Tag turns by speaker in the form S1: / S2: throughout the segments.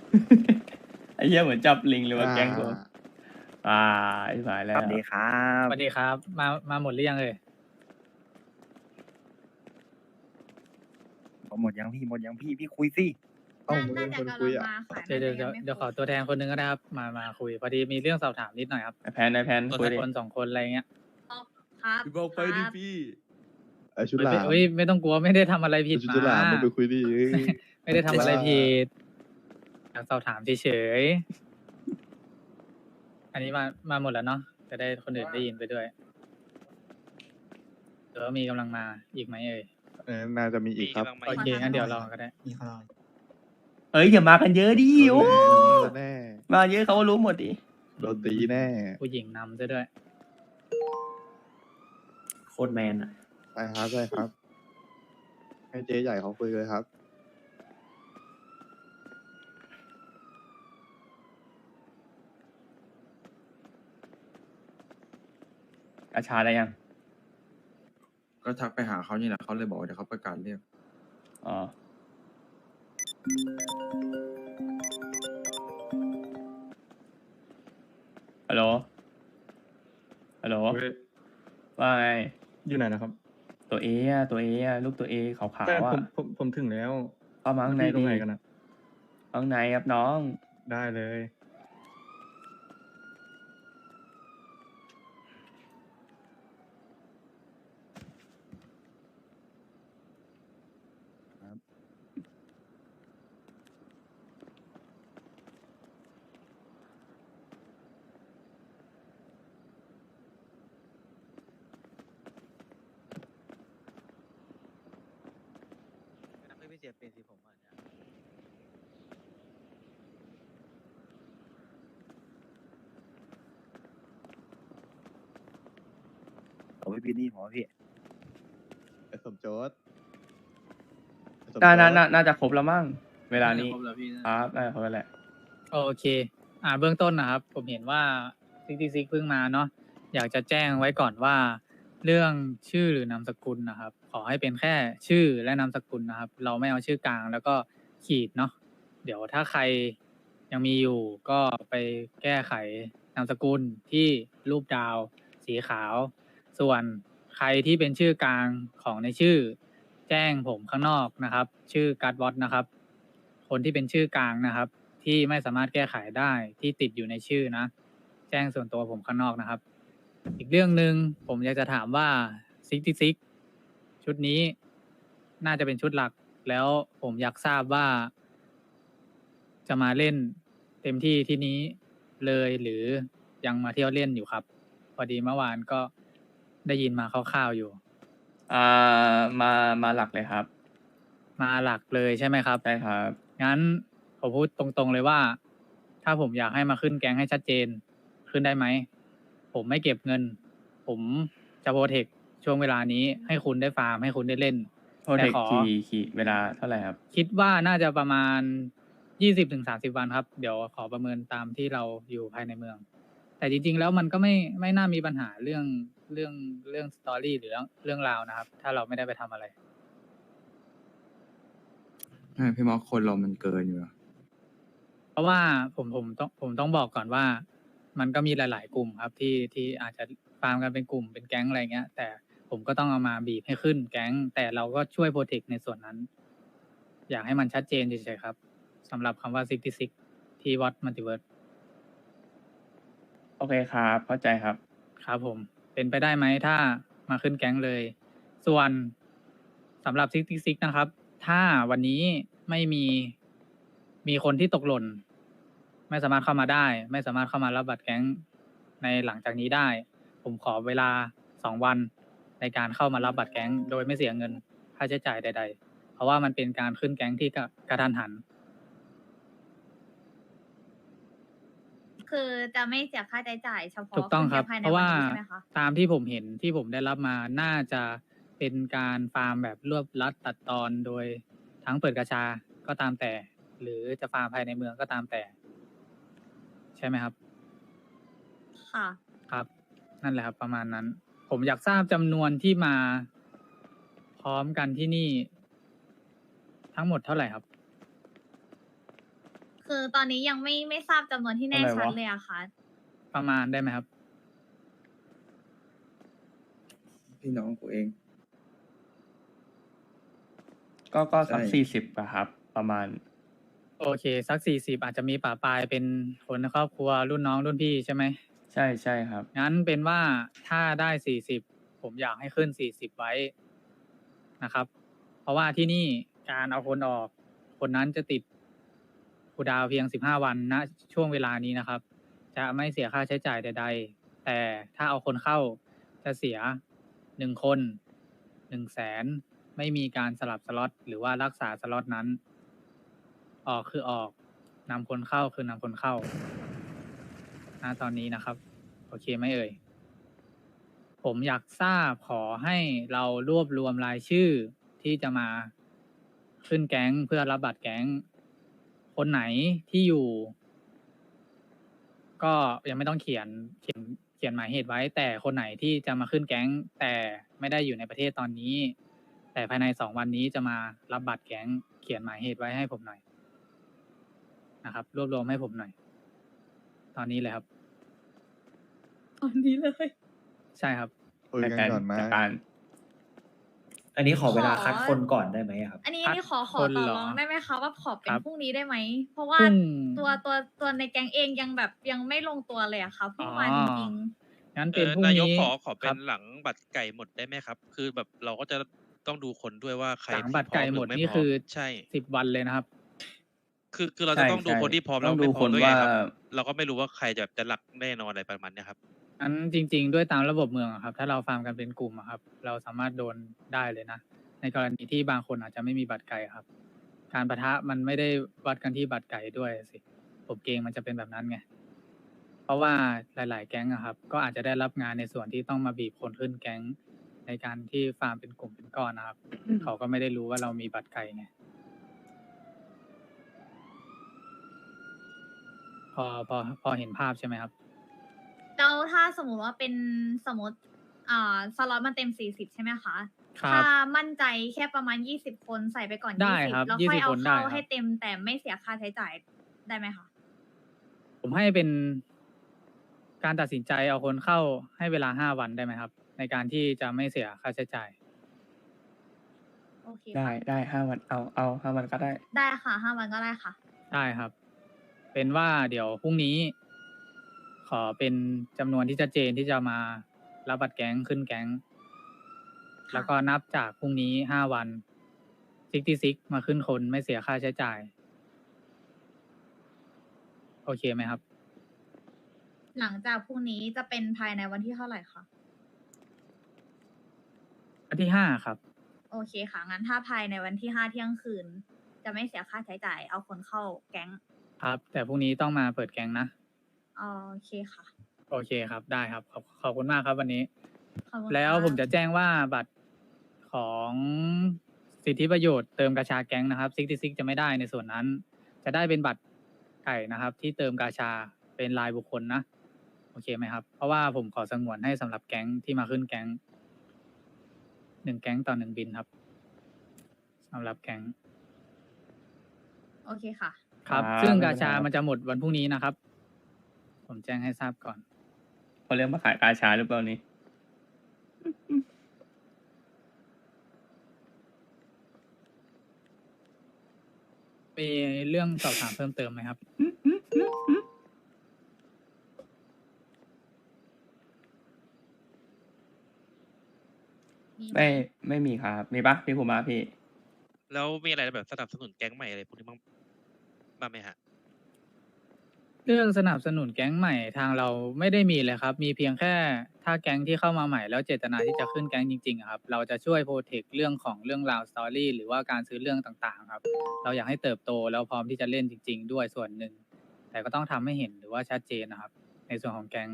S1: ไอ้เหี้ยเหมือนจับลิงเลยว่ะแก๊งกู
S2: อ่า
S1: ไอ้สายแล้
S3: ส
S1: ว
S3: วัสดีครั
S4: ส
S3: บ
S4: วัสดีครับ มาหมดหรือยังเอ่ย
S3: หมดยังพี่หมดยังพี่คุยสิ
S2: เอ้ามึงเป็นคนคุยอ่ะ
S4: เดี๋ยวขอตัวแทนคนหนึงก็ได้ครับ มาคุย พอดีมีเรื่องสอบถามนิดหน่อยครับ
S1: ไอ้แพนคุยดิ
S4: คนสองคนอะไรเงี้ย
S5: ครับ
S6: พี่บอกไปดิพี่
S2: ไอชุดหลาม
S4: เฮ้ยไม่ต้องกลัวไม่ได้ทำอะไรผิด
S2: ชุด
S4: มา
S2: หลามมึงไปคุยดิเอ้ย
S4: ไม่ได้ทำอะไรผิดอยากสอบถามเฉยๆ อันนี้มาหมดแล้วเนาะ จะได้คนอื่นได้ยินไปด้วยหรือว่ามีกำลังมาอีกไหมเอ่ย
S2: น่าจะมีอีกครับ
S4: โอเคงั้นเดี๋ยวรอก็ได้
S1: เอ้ยอย่ามากันเยอะดิโอ้
S2: แน่
S1: มาเยอะเขาก็รู้หมดดิ
S2: โดนตีแน่
S4: ผู้หญิงนำซะด้วย
S1: โคตรแมนอ่ะ
S2: ใช่ครับใช่ครับ ให้เจ๊ใหญ่เขาคุยเลยครับ
S1: กาชาได้ยัง
S6: ก็ทักไปหาเขานี่แหละเขาเลยบอกว่าเดี๋ยวเขาประกาศเรียก
S1: อ๋อฮัลโหลฮัลโหล
S6: เฮ้ย
S1: ว่าไง
S6: อยู่ไหนนะครับ
S1: ตัวเออะตัวเออะลูกตัวเอขาว
S6: แต่
S1: ๆอ่ะ
S6: ผมถึงแล้ว
S1: เข้ามาข้างใน
S6: พี่ตร
S1: ดิ
S6: งไหนกันนะ
S1: ข้างในครับน้อง
S6: ได้เลย
S3: ไม่เสียเป็นสิผมอ่ะเนี่ยผมไม่พี่นี่ผมพี่
S2: ไอสมโจทย์ไอ้สมโจ
S1: น่าจะครบแล้วมั้งเวลานี้
S5: ครบแล้วพี่
S1: ครับน่าจะครบแล้วแหละ
S4: โอเค เบื้องต้นนะครับ ผมเห็นว่าซิกเพิ่งมาเนาะ อยากจะแจ้งไว้ก่อนว่า เรื่องชื่อหรือนามสกุลนะครับ ขอให้เป็นแค่ชื่อและนามสกุลนะครับ เราไม่เอาชื่อกลางแล้วก็ขีดเนาะ เดี๋ยวถ้าใครยังมีอยู่ก็ไปแก้ไขนามสกุลที่รูปดาว สีขาว ส่วนใครที่เป็นชื่อกลางของในชื่อ แจ้งผมข้างนอกนะครับ ชื่อการ์ดวอตนะครับ คนที่เป็นชื่อกลางนะครับ ที่ไม่สามารถแก้ไขได้ที่ติดอยู่ในชื่อนะ แจ้งส่วนตัวผมข้างนอกนะครับ อีกเรื่องหนึ่งผมอยากจะถามว่าซิกชุดนี้น่าจะเป็นชุดหลัก แล้วผมอยากทราบว่า จะมาเล่นเต็มที่ที่นี้เลยหรือยังมาเที่ยวเล่นอยู่ครับ พอดีเมื่อวานก็ได้ยินมาคร่าวๆอยู่
S1: มาหลักเลยครับ
S4: มาหลักเลยใช่ไหมครับ
S1: ใช่ครับ
S4: งั้นผมพูดตรงๆเลยว่า ถ้าผมอยากให้มาขึ้นแก๊งให้ชัดเจน ขึ้นได้ไหม ผมไม่เก็บเงิน ผมจะโปรเทคช่วงเวลานี้ให้คุณได้ฟาร์มให้คุณได้เล่น
S1: โทษเด็ก
S4: แต่ขอ
S1: ขี่เวลาเท่าไหร่ครับ
S4: คิดว่าน่าจะประมาณ20-30 วันครับ เดี๋ยวขอประเมินตามที่เราอยู่ภายในเมือง แต่จริงๆแล้วมันก็ไม่น่ามีปัญหาเรื่องสตอรี่หรือเรื่องราวนะครับ ถ้าเราไม่ได้ไปทำอะไร
S6: พี่มอสคนเรามันเกินอยู่อะ
S4: เพราะว่าผมต้องบอกก่อนว่า มันก็มีหลาย ๆ กลุ่มครับที่อาจจะฟาร์มกันเป็นกลุ่มเป็นแก๊งอะไรเงี้ย แต่ผมก็ต้องเอามาบีบให้ขึ้นแก๊ง แต่เราก็ช่วยโปรเทคในส่วนนั้น อยากให้มันชัดเจนเฉยๆครับสำหรับคำว่า66ที่วัดมัลติเวิร์ส
S1: โอเคครับ เข้าใจครับ
S4: ครับผม เป็นไปได้ไหมถ้ามาขึ้นแก๊งเลย ส่วนสำหรับ66นะครับ ถ้าวันนี้ไม่มีคนที่ตกหล่น ไม่สามารถเข้ามาได้ ไม่สามารถเข้ามารับบัตรแก๊งในหลังจากนี้ได้ ผมขอเวลา2 วันในการเข้ามารับบัตรแก๊งโดยไม่เสียเงินค่าใช้จ่ายใด ๆ เพราะว่ามันเป็นการขึ้นแก๊งที่กระทันหัน
S5: คือจะไม่เสียค่าใช้จ่ายเฉพาะ
S4: ถูกต้องครับ
S5: นภายใน
S4: เพราะว่า
S5: วันนี้ใช่ไหมคะ
S4: ตามที่ผมเห็นที่ผมได้รับมาน่าจะเป็นการฟาร์มแบบรวบรัดตัดตอนโดยทั้งเปิดกาชาก็ตามแต่ หรือจะฟาร์มภายในเมืองก็ตามแต่ ใช่ไหมครับ
S5: ค่ะ
S4: ครับ นั่นแหละครับ ประมาณนั้น ผมอยากทราบจำนวนที่มาพร้อมกันที่นี่ ทั้งหมดเท่าไหร่ครับ
S5: คือตอนนี้ยังไม่ทราบจำนวนที่แน่ชัดเลยอะค่ะ
S4: ประมาณได้ไหมครับ
S6: พี่น้องกูเอง
S1: ก็สัก
S6: ใช่
S1: 40อะครับ ประมาณ
S4: โอเค สัก40อาจจะมีป่าปลายเป็นคนในครอบครัวรุ่นน้องรุ่นพี่ใช่ไหม
S1: ใช่ใช่ครับ
S4: งั้นเป็นว่าถ้าได้40ผมอยากให้ขึ้น40ไว้นะครับ เพราะว่าที่นี่การเอาคนออก คนนั้นจะติดคูลดาวน์เพียง15วันณช่วงเวลานี้นะครับ จะไม่เสียค่าใช้จ่ายใดๆ แต่ถ้าเอาคนเข้าจะเสีย1คน100,000ไม่มีการสลับสล็อตหรือว่ารักษาสล็อตนั้น ออกคือออกนำคนเข้าคือนำคนเข้าณตอนนี้นะครับ โอเคไหมเอ่ย ผมอยากทราบขอให้เรารวบรวมรายชื่อที่จะมาขึ้นแก๊งเพื่อรับบัตรแก๊ง คนไหนที่อยู่ ก็ยังไม่ต้องเขียนหมายเหตุไว้ แต่คนไหนที่จะมาขึ้นแก๊ง แต่ไม่ได้อยู่ในประเทศตอนนี้ แต่ภายใน2 วันนี้จะมารับบัตรแก๊ง เขียนหมายเหตุไว้ให้ผมหน่อยนะครับ รวบรวมให้ผมหน่อย ตอนนี้เลยครับ
S5: ตอนนี้เลย
S4: ใช่ครับ
S2: คุยกันก่อนไหม
S1: จากการ
S7: อันนี้ขอเวลา
S5: ขอ
S7: คัดคนก่อนได้ไหมอะครับ
S5: อันนี้
S4: คัด
S5: ขอ
S4: คน
S5: ต่อ
S4: เหรอ
S5: รองได้ไหมคะว่าขอเป็น
S4: ครับ
S5: พรุ่งนี้ได้ไหม เพราะว่า
S4: พรุ่ง
S5: ตัวในแก๊งเองยังแบบยังไม่ลงตัวเลยอะค่ะเพิ่งมา
S4: อ๋อ
S5: จริง
S4: งั้นเป็นพรุ่ง
S8: นายก
S4: นี้
S8: ขอเป็
S4: ครั
S8: น
S4: บ
S8: หลังบัตรไก่หมดได้ไหมครับ คือแบบเราก็จะต้องดูคนด้วยว่าใคร
S4: หลัง
S8: ที่
S4: บัตรไก่
S8: พร้อ
S4: หมด
S8: รือ
S4: นี่
S8: ไพร้
S4: คือ
S8: ใช่
S4: 10 วันเลยนะครับ
S8: คือเราจะต้องดู
S1: ใช่
S8: คนที่พร้อม
S1: ต้
S8: แล้ว
S1: องดู
S8: ไม่พร้อม
S1: คน
S8: ด้วยไง
S1: ว่า
S8: ครับ เราก็ไม่รู้ว่าใครจะหลักแน่นอนอะไรประมาณเนี้ยครับ
S4: อันจริง ๆ ด้วยตามระบบเมืองอะครับ ถ้าเราฟาร์มกันเป็นกลุ่มอะครับ เราสามารถโดนได้เลยนะ ในกรณีที่บางคนอาจจะไม่มีบัตรไก่ครับ การปะทะมันไม่ได้วัดกันที่บัตรไก่ด้วยสิ ผมเกรงมันจะเป็นแบบนั้นไง เพราะว่าหลาย ๆ แก๊งอะครับ ก็อาจจะได้รับงานในส่วนที่ต้องมาบีบคนขึ้นแก๊ง ในการที่ฟาร์มเป็นกลุ่มเป็นก้อนนะครับ เขาก็ไม่ได้รู้ว่าเรามีบัตรไก่ไง พอเห็นภาพใช่ไหมครับ
S5: ๆแล้วถ้าสมมุติว่าเป็นสมมติสล็อตมันเต็ม40ใช่ไหมคะ
S4: ครับ
S5: ถ้ามั่นใจแค่ประมาณ20คนใส่ไปก่อน
S4: ได้ครับ
S5: 20แล้วค่อย
S4: 20
S5: เอา
S4: คนได้
S5: เข้า
S4: ครับ
S5: ให้เต็มแต่ไม่เสียค่าใช้จ่ายได้ไหมคะ
S4: ผมให้เป็นการตัดสินใจเอาคนเข้าให้เวลา5 วันได้ไหมครับ ในการที่จะไม่เสียค่าใช้จ่าย
S5: โอเค
S1: ได้
S5: ค่ะ
S1: ได้5 วัน เอา5 วันก็ได้
S5: ได้ค่ะ5 วันก็ได้ค่ะ
S4: ได้ครับ เป็นว่าเดี๋ยวพรุ่งนี้ ขอเป็นจำนวนที่ชัดเจนที่จะมารับบัตรแก๊งขึ้นแก๊ง แล้วก็นับจากพรุ่งนี้5 วัน66มาขึ้นคนไม่เสียค่าใช้จ่าย โอเคไหมครับ
S5: หลังจากพรุ่งนี้จะเป็นภายในวันที่เท่าไหร่คะ
S4: วันที่5ครับ
S5: โอเคค่ะ งั้นถ้าภายในวันที่5 เที่ยงคืน จะไม่เสียค่าใช้จ่าย เอาคนเข้าแก๊ง
S4: ครับ แต่พรุ่งนี้ต้องมาเปิดแก๊งนะ
S5: โอเคค่ะ
S4: โอเคครับ ได้ครับ ขอบคุณมากครับวันนี้
S5: ขอบคุณ
S4: แล้ว
S5: ค่ะ
S4: ผมจะแจ้งว่าบัตรของสิทธิประโยชน์เติมกาชาแก๊งนะครับ66จะไม่ได้ในส่วนนั้น จะได้เป็นบัตรไก่นะครับ ที่เติมกาชาเป็นรายบุคคลนะ โอเคไหมครับ เพราะว่าผมขอสงวนให้สำหรับแก๊งที่มาขึ้นแก๊ง1 แก๊งต่อ 1 บินครับสำหรับแก๊ง
S5: โอเคค่ะ
S4: ครับ
S1: ครับ
S4: ซึ่ง
S1: ไม่
S4: กา
S1: เป็นไร
S4: ชา
S1: ครับ
S4: มันจะหมดวันพรุ่งนี้นะครับ ผมแจ้งให้ทราบก่อน
S1: เขาเรียกมาขายกาชาหรือเปล่านี่
S4: มีเรื่องสอบถามเพิ่มเติมไหมครับ
S5: มีไหม
S1: ไม่มีครับ มีปะพี่ภูมิพี่
S8: แล้วมีอะไรแบบสนับสนุนแก๊งใหม่อะไรพวกนี้บ้างไหมฮะ
S4: เรื่องสนับสนุนแก๊งใหม่ทางเราไม่ได้มีเลยครับ มีเพียงแค่ถ้าแก๊งที่เข้ามาใหม่แล้วเจตนาที่จะขึ้นแก๊งจริงๆอะครับ เราจะช่วยโปรเทคเรื่องของเรื่องราวสตอรี่หรือว่าการซื้อเรื่องต่างๆครับ เราอยากให้เติบโตแล้วพร้อมที่จะเล่นจริง ๆ ด้วยส่วนหนึ่ง แต่ก็ต้องทำให้เห็นหรือว่าชัดเจนนะครับ ในส่วนของแก๊ง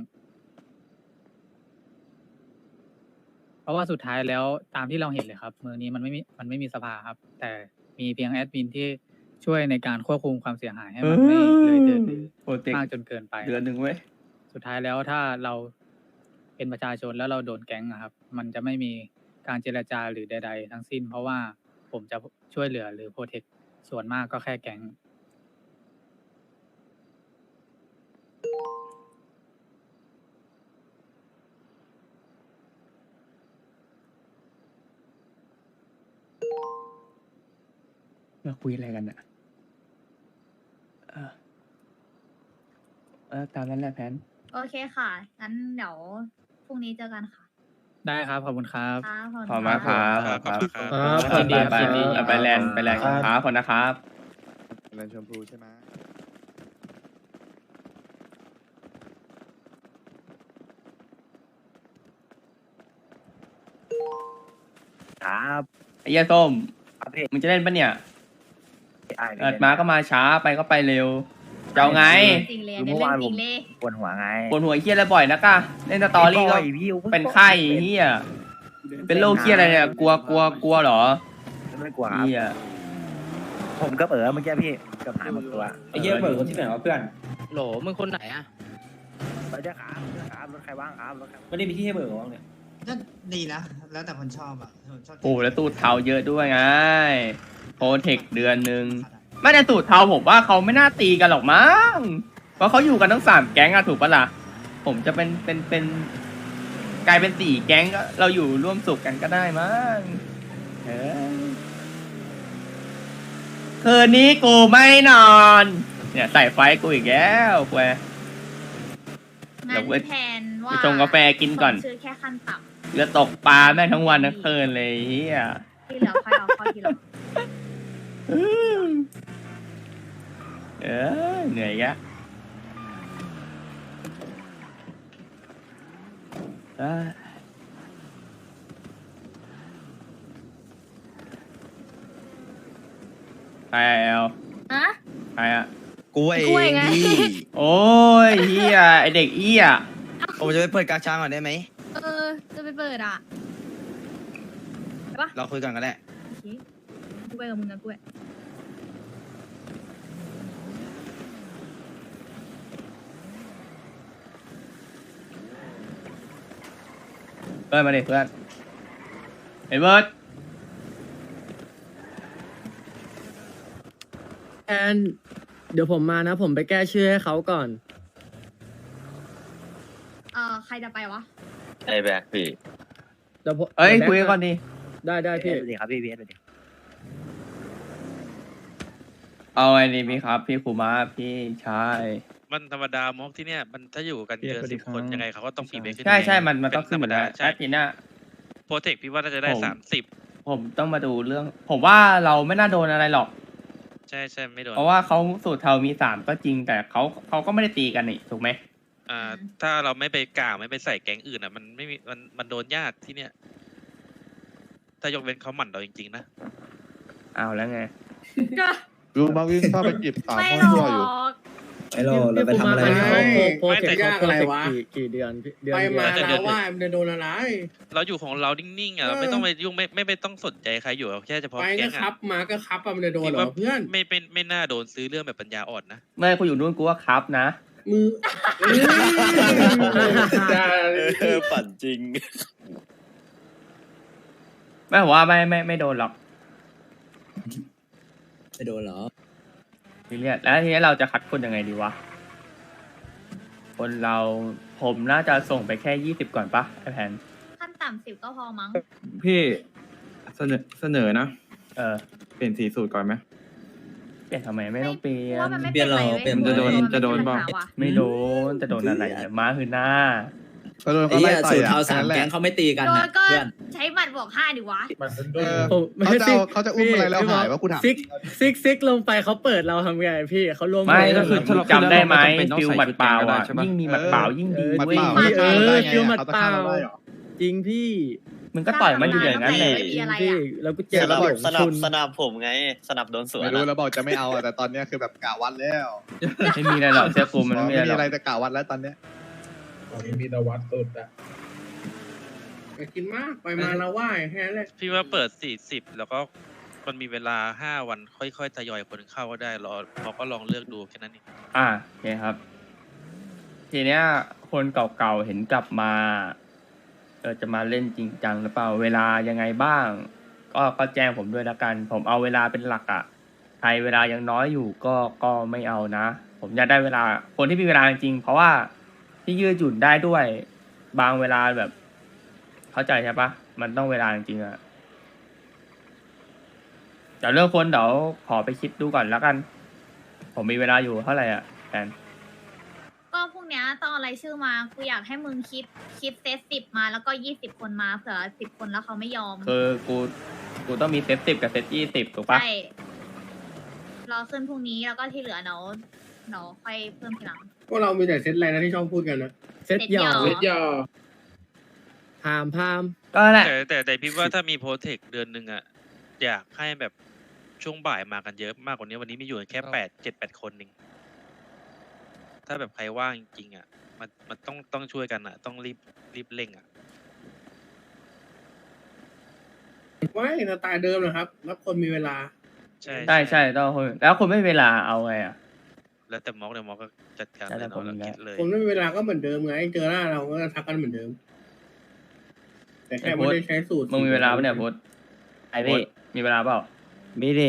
S4: เพราะว่าสุดท้ายแล้วตามที่เราเห็นเลยครับเมืองนี้มันไม่มีสภาครับ แต่มีเพียงแอดมินที่ช่วยในการควบคุมความเสียหายให้มันไม่เลยเถิด
S1: โปรเจกต์
S4: มากจนเกินไป
S1: เดือนหนึ่งเว้ย
S4: สุดท้ายแล้วถ้าเราเป็นประชาชนแล้วเราโดนแก๊งอะครับ มันจะไม่มีการเจรจาหรือใดๆทั้งสิ้น เพราะว่าผมจะช่วยเหลือหรือโปรเทคส่วนมากก็แค่แก๊ง
S1: มาคุยอะไรกันอ่ะตามนั้นแหละแพน
S5: โอเคค่ะ งั้นเดี๋ยวพรุ่งนี้เจอกันค่ะ
S4: ได้ครับ ขอบคุณครับ
S5: ค่ะ
S1: ขอบคุณมากครับ
S8: ขอบคุณครับ
S4: ยินดีครับ
S1: ไป
S4: ยินดี
S1: ไปแลนด์ครับคนนะครับ
S2: แลนด์ชมพูใช่ไหม
S3: ครับ
S1: ไอ้เหี้ยส้ม
S3: ครับพี่
S1: มึงจะเล่นปะเนี่ย
S3: อ้าย
S1: เอิดมาก็มาช้าไปก็ไปเร็วจะเอาไง
S5: จริงเลยอันนี้เรื่องจริงเลย
S3: ปวดหัวไง
S1: ปวดหัวเฮียอะไรบ่อยนะก้าเล่นสตอรี่ก็
S3: บ่ยพี่
S1: เป็นไข้เฮียเป็นโรคเฮียอะไรเนี่ยกลัวเหรอ
S3: ไม่กลัวครับ
S1: เฮีย
S3: ผมก็เออเมื่อกี้พี่เกือบหายหมดตัว
S7: ไอ้เหี้ยเบิกคนที่ไหนวะเพื่อน
S9: โหลมึงคนไหนอะ
S3: รถจะครับรถใครว่างครับรถใคร
S7: ไม่ได้มีที่ให้เบิกหรอวะเนี่ย
S10: ก็ดีนะ แล้วแต่คนชอบอ่ะคนชอบ
S1: โอ้แล้วตูดเทาเยอะด้วยไงโปรเทคเดือนหนึ่งไม่แต่ตูดเทาผมว่าเขาไม่น่าตีกันหรอกมั้งเพราะเขาอยู่กันทั้ง3 แก๊งอะถูกปะล่ะผมจะเป็นกลายเป็น4 แก๊งก็เราอยู่ร่วมสุขกันก็ได้มั้งคืนนี้กูไม่นอน เนี่ยใส่ไฟกูอีกแล้วแคว
S5: งั้นแทนว่า
S1: ไปชงกาแฟกินก่อน
S5: ส่งชื่อแค่ขั้นต่
S1: เรือตกปลาแม่งทั้งวันทั้งคืนเลยเฮีย
S5: ำที่เหลือค่อยเอาเข้าทีหลัง
S1: เหนื่อยแกใครอะแอล
S5: อะ
S1: ใครอะ
S9: กูเอง
S5: กูเองไง
S9: พี่
S1: โอ้ยเฮียไอเด็กเอี้ย
S9: ผมจะไปเปิดกากช้างก่อนได้ไหม
S5: จะไปเปิดอ่ะ
S9: เราคุยกันก็ได้
S5: โอเคกูไปกับมึงนะกูไป
S1: เพื่อนมาดิเพื่อนไอ้เบิร์ด
S11: แอนเดี๋ยวผมมานะ ผมไปแก้ชื่อให้เขาก่อน
S5: ใครจะไปวะ
S3: ไอ้แบกพี่
S11: เดี๋ยวผม
S1: เอ้ย
S11: ดี๋ว
S1: คุย
S11: แบ็
S1: กันก่อนดิ
S11: ได้
S3: พี่
S11: พี่
S3: ดีครับพี่ดี
S1: เอาไงดีพี่ครับ พี่ครูมาพี่ชาย
S8: มันธรรมดามอกที่เนี่ยมันถ้าอยู่กันเกิน
S1: สวัสดี
S8: 10
S1: ครับ
S8: คนยังไงเขาก็ต้องมีเบรกขึ้น
S1: ใช่มันต้องขึ้น
S8: ธรรมดา
S1: ใช่
S8: ใช่
S1: ทีน่า
S8: โปรเทคพี่ว่าน่าจะได้
S1: ผม
S8: 30
S1: ผมต้องมาดูเรื่อง ผมว่าเราไม่น่าโดนอะไรหรอก
S8: ใช่ไม่โดน
S1: เพราะว่าเขาสูตรเทามี3 ก็จริง แต่เขาก็ไม่ได้ตีกันนี่ถูกไหม
S8: ถ้าเราไม่ไปกล่าวไม่ไปใส่แก๊งอื่นอ่ะมันไม่มีมันโดนยากที่เนี่ย ถ้ายกเว้นเขาหมั่นเราจริงๆนะ
S1: เอาแล้วไง
S2: ลุงมาวิ่งเข้าไปจีบสาว
S5: ไม่
S2: ห้อง
S5: หร
S2: ตัว
S5: อ
S2: อยู่
S5: ก
S7: ไอ้เราไปทำอะไร
S11: พี่
S7: เขา
S11: โปรเทค
S8: ไม่แต่
S11: เขาโปรเทคกี่เดือนพี่เดือน
S10: ไป
S11: เดียว
S10: มาแล้วว่ามันจะโดนอะไร
S8: เราอยู่ของเรานิ่งๆอ่ะเราไม่ต้องไปยุ่งไม่ต้องสนใจใครอยู่แค่เฉพาะ
S10: ไป
S8: แก๊
S10: ก็
S8: ง
S10: คั
S8: อ่ะ
S10: บมาก็คับอะมันจะโดนเหรอเพื่อน
S8: ไม่น่าโดนซื้อเรื่องแบบปัญญาอ่อนนะ
S1: เมื่อกูอยู่นู่นกูว่าครับนะ
S10: มือ
S9: ปั่นจริง
S1: ไม่ผมว่าไม่โดนหรอก
S7: ไม่โดนเหรอ
S1: ทีเนี้ยแล้วทีนี้เราจะคัดคนยังไงดีวะ คนเราผมน่าจะส่งไปแค่20ก่อนปะไอแพน
S5: ขั้นต่ำ10ก็พอมั้ง
S6: พี่เสนอนะ
S1: เ
S6: เปลี่ยนสีสูตรก่อนไหม
S1: เปลี่ยนทำไมไม่ต้องเปลี่ย
S5: ว่าน มันไม่
S7: เปลี่ยนหรอ
S5: ไว้
S7: เปลี่ยน
S5: ว้ย
S6: จะโดน
S5: มั
S6: เปล่า
S5: ปัญหว่ะ
S1: ไม่โดนจะโดนอะไรเนี่ยม้าคือหน้า
S2: ก็โดน
S7: ไอ้
S2: เขาไล่
S7: เหี้ย
S2: ต่อ
S7: สู
S2: ย
S7: ตร
S2: อ่ะ
S7: เทา3
S2: นั่นแหละ
S7: แก๊งเขาไม่ตีกัน
S5: โด
S7: นะ
S5: นก็
S7: เพื่อน
S5: ใช้หมัดบวก5ดิวะ
S2: เออ
S11: ผมไม่
S2: เขาจะอุ้มอะไรแล้วหายว่ากูถาม
S11: ซิกลงไปเขาเปิดเราทำไงพี่เขารวม
S1: ไม่
S11: หัว
S1: ก็คือ
S6: ถ้าเรา
S1: จำได้ไหม
S6: ขึ้นแล้วเราไม่จำเป็นต้อง
S1: ฟิล
S6: ใส่
S1: หมัดเปล่าอ่ะ
S6: ชุดแกงก็ได้ใช่ปะ
S1: ยิ่งมีหมัดเปล่ายิ่งดี
S2: หมัด
S1: เว้ย
S2: เปล่า
S11: ฟิวหมัดเปล่าจริงพี่
S1: มึงก็ต่อยมันอยู่อย่างนั้นแหละ
S5: ไม่มีอะไร
S11: พี่
S5: อ่ะ
S11: แล้วกูเจอระบบคุณ
S9: ผมไง สนับโดนสวน
S2: ไม่รู้แล้วบอกจะไม่เอาอ่ะแต่ตอนเนี้ยคือแบบกะวัดแล้ว
S1: ไม่มีอะไรหรอกเชื่อกูมันไม่มี
S2: ไม่
S1: อะไรหรอก
S2: มีอะไรแต่กะวัดแล้วตอนเนี้ย
S10: มีตะวัดสุดอะไปกินมากไปมาแล้วว่าแค่นั้นแหละ
S8: พี่ว่าเปิด40แล้วก็มันมีเวลา5 วันค่อยๆทยอยคนเข้าก็ได้เราก็ลองเลือกดูแค่นั้นเอง
S1: โอเคครับ ทีเนี้ยคนเก่าๆเห็นกลับมาจะมาเล่นจริงจังหรือเปล่าเวลายังไงบ้าง ก็แจ้งผมด้วยละกัน ผมเอาเวลาเป็นหลักอ่ะใครเวลายังน้อยอยู่ก็ไม่เอานะ ผมอยากได้เวลาคนที่มีเวลาจริงๆเพราะว่าที่ยืดหยุ่นได้ด้วย บางเวลาแบบ เข้าใจใช่ปะมันต้องเวลาจริงๆอ่ะแต่เรื่องคนเดี๋ยวขอไปคิดดูก่อนแล้วกัน ผมมีเวลาอยู่เท่าไหร่อ่ะแฟน
S5: ก็พรุ่งเนี้ยต้องเอารายชื่อมากูอยากให้มึงคิดเซต10มาแล้วก็20คนมาเผื่อ10คนแล้วเขาไม่ยอม
S1: คือกูต้องมีเซต10กับเซต20ถูกปะ
S5: ใช่รอขึ้นพรุ่งนี้แล้วก็ที่เหลือเนาค่อยเพิ่มทีหลัง
S10: พวกเรามีแต่เซตอะไรนะที่ชอบพูดกันนะ
S11: เซตหยอ
S5: เซตหยอ
S11: พามพาม
S1: ก็นั่นแหละ
S8: แต่พี่ว่าถ้ามีโปรเทคเดือนหนึ่งอะอยากให้แบบช่วงบ่ายมากันเยอะมากกว่านี้วันนี้มีอยู่แค่7-8 คนเองถ้าแบบใครว่างจริงๆอะมันต้องช่วยกันอะต้องรีบเร่งอะ
S10: ไม่สไตล์เดิมนะครับรับคนมีเวลา
S8: ใช่
S1: ใช่ต้องคุยแล้วคุณไม่มีเวลาเอาไงอ่ะ
S8: แล้วแต่ม็อกเดี๋ยวม็อกก็จัดการ
S1: แล้วแต่
S8: เลย
S1: ผม
S8: เนาะเรา
S1: นะ
S8: คิดเลย
S10: คนไม่มีเวลาก็เหมือนเดิมไงเจอหน้าเราก็ทักกันเหมือนเดิม แต่แค่ไม่ได้ใช้สูตร
S1: มึงมีเวลาปะเนี่ยพุทธไอพี่มีเวลาเปล่า
S3: มีดิ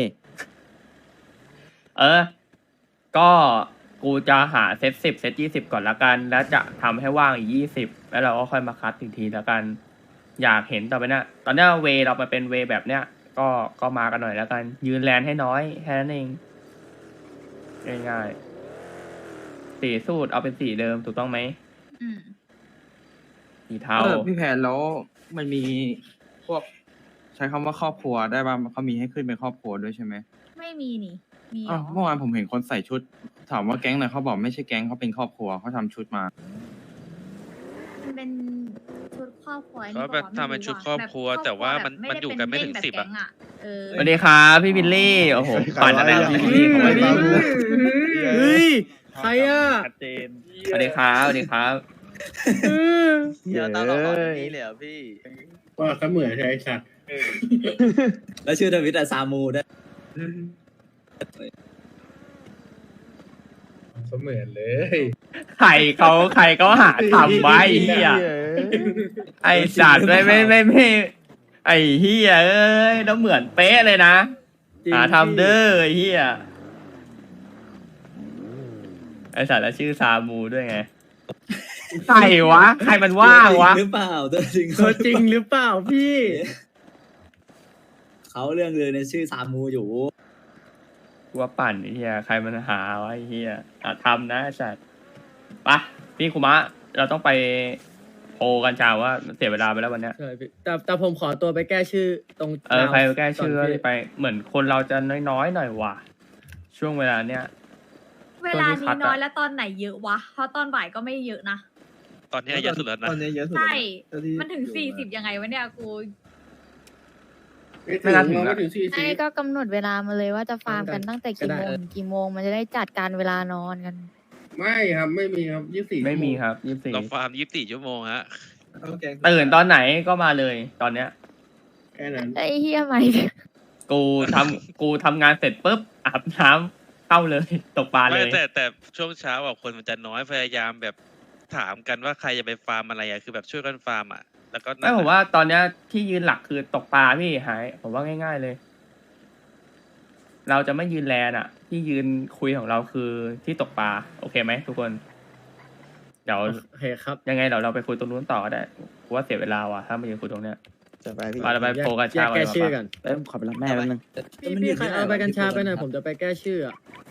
S1: ก็กูจะหาเซต10เซต20ก่อนละกัน แล้วจะทำให้ว่างอีก20แล้วเราก็ค่อยมาคัดอีกทีละกัน อยากเห็นต่อไปเนี่ยตอนเนี้ยเวเรามาเป็นเวแบบเนี้ยก็มากันหน่อยแล้วกัน ยืนแลนให้น้อยแค่นั้นเองง่ายๆสีสูตรเอาเป็นสีเดิมถูกต้องไหม
S5: อืม
S1: สีเทา
S6: พี่แพนแล้วมันมีพวกใช้คำว่าครอบครัวได้ป่ะเขามีให้ขึ้นเป็นครอบครัวด้วยใช่ไหม
S5: ไม่มีนี่มีเหร
S6: อ้าว
S5: อ
S6: เมื่อวานผมเห็นคนใส่ชุด ถามว่าแก๊งไหนเขาบอกไม่ใช่แก๊งเขาเป็นครอบครัวเขาทำชุดมา
S5: มันเป็นชุดครอบครัวนี่
S8: ก็แบบทำเป็นชุดครอบครัว แต่ว่ามันอยู่กันไม่ถึง10
S5: อะ
S8: อะ
S1: สวัสดีครับพี่บิลลี่โอ้โหปั่นอะไรพี่บิลลี่ของ
S2: ไม่
S1: พี่
S2: ตามกู
S11: เฮ้ย ใครอ่ะ
S3: ชัดเจน
S1: สวัสดีครับสวัสดีครับ
S9: เดี๋ยวตามเราขอแบบนี้เลยเหรอพี่
S10: ว่าเสมือนใช่ไอ้สัตว์
S7: แล้วชื่อทวิตอะซามูด้วย
S10: เสมือนเลย
S1: ใครเขาหาทำไว้ไอ้เฮียไอสัตว์ไม่ไอเฮียเอ้ยแล้วเหมือนเป๊ะเลยนะ
S11: จริง
S1: หาทำเด้อไอเฮียไอสัตว์แล้วชื่อซามูด้วยไงใครวะใครมันว่างวะ
S7: หรือเปล่าตัวจริง
S11: ตัวจริงหรือเปล่าพี่
S7: เขาเรื่องเลยในชื่อซามูอยู่
S1: กูว่าปั่นไอเฮียใครมันหาวะไอเฮียหาทำนะไอสัตว์ไปะพี่คุมะเราต้องไปโพลกันชาว่าเสียเวลาไปแล้ววันเนี้ย
S11: ใช่พี่แต่ผมขอตัวไปแก้ชื่อตรง
S1: ใครแก้ชื่อ
S11: ก่นพี่
S1: ไปเหมือนคนเราจะน้อยๆหน่อยว่ะช่วงเวลาเนี้ย
S5: เวลานี้น้อยแล้วตอนไหนเยอะวะ เพราะตอนบ่ายก็ไม่เยอะนะ
S8: ตอนนี้เยอะสุดแล้วนะ
S2: ตอนนี้เยอะสุด
S5: ใช่
S2: แล้วที่
S5: มันถึง40ยังไงวะเนี่ยกู
S10: ไม่ถึงเราไม่ถึง40
S12: ใช่ก็กำหนดเวลามาเลยว่าจะฟาร์มกันตั้งแต่กี่โมงถึงกี่โมงมันจะได้จัดการเวลานอนกัน
S10: ไม่ครับไม่มีครับ24
S1: ไม่มีครับ24
S8: เราฟาร์ม24 ชั่วโมงฮะ
S1: ตื่นตอนไหนก็มาเลยตอนเนี้ย
S10: แค่นั้น
S12: ไอ้เฮียไหม
S1: กูทำงานเสร็จปุ๊บอาบน้ำเข้าเลยตกปลาเล
S8: ไม่
S1: ย
S8: แต่ช่วงเช้าอ่ะคนมันจะน้อยพยายามแบบถามกันว่าใครจะไปฟาร์มอะไรอ่ะคือแบบช่วยกันฟาร์มอ่ะแล้วก็
S1: ไม่ผมว่าตอนเนี้ยที่ยืนหลักคือตกปลาพี่หายผมว่าง่ายๆเลย เราจะไม่ยืนแลนอ่ะ ที่ยืนคุยของเราคือที่ตกปลาโอเคไหมทุกคน เดี๋ยว
S11: โอเคครับ
S1: ยังไงเดี๋ยวเราไปคุยตรงนู้นต่อก็ได้กูว่าเสียเวลาว่ะถ้ามายืนคุยตรงเนี้ย
S3: จะไปพี่
S1: เราไปโพลกัน
S11: แย
S1: ชาก
S11: แก้ชื่อ
S1: กั
S11: กัน น
S3: ขอไปรับแม่แป๊บนึง
S11: พี่ใครเอาใบกัญชาไปหน่อยผมจะไปแก้ชื่ออะ